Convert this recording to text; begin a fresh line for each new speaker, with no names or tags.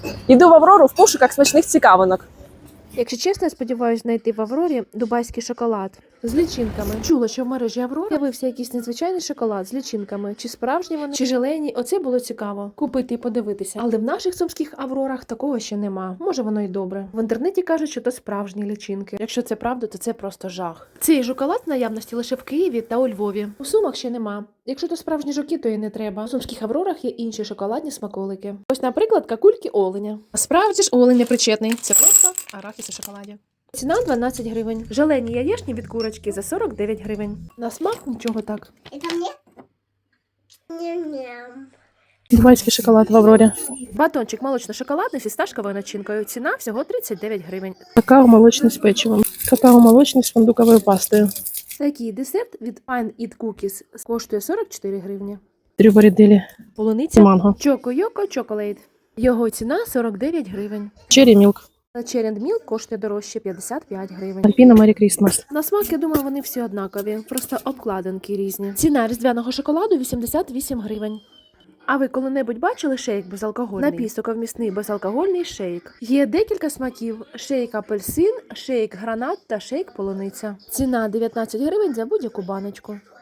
Йду в Аврору в пошуках смачних цікавинок.
Якщо чесно, я сподіваюся знайти в Аврорі дубайський шоколад з лічинками. Чула, що в мережі Аврора з'явився якийсь незвичайний шоколад з лічинками. Чи справжні вони, чи желені. Оце було цікаво. Купити і подивитися. Але в наших сумських Аврорах такого ще нема. Може, воно й добре. В інтернеті кажуть, що то справжні лічинки. Якщо це правда, то це просто жах. Цей шоколад в наявності лише в Києві та у Львові. У Сумах ще нема. Якщо то справжні жуки, то і не треба. У сумських Аврорах є інші шоколадні смаколики. Ось, наприклад, какульки оленя. А справді ж олень не причетний. Це просто арахіс у шоколаді. Ціна 12 гривень. Желені яєчні від курочки за 49 гривень. На смак нічого так.
Это мне? Ням-ням.
Дубайський шоколад в Аврорі.
Батончик молочно-шоколадний зі фісташковою начинкою. Ціна всього 39 гривень.
Какао молочний з печивом. Какао молочний з фундуковою пастою.
Такий десерт від Fine Eat Cookies коштує 44 гривні.
Трюборідилі.
Полуниця
Манго.
Choco Yoko Chocolate. Його ціна 49 гривень.
Черрі мілк.
Черенд Milk коштує дорожче 55 гривень.
Альпіна Мері Крістмас.
На смак, я думаю, вони всі однакові, просто обкладинки різні. Ціна різдвяного шоколаду 88 гривень. А ви коли-небудь бачили шейк безалкогольний? Напій соковмісний безалкогольний шейк. Є декілька смаків: шейк апельсин, шейк гранат та шейк полуниця. Ціна 19 гривень за будь-яку баночку.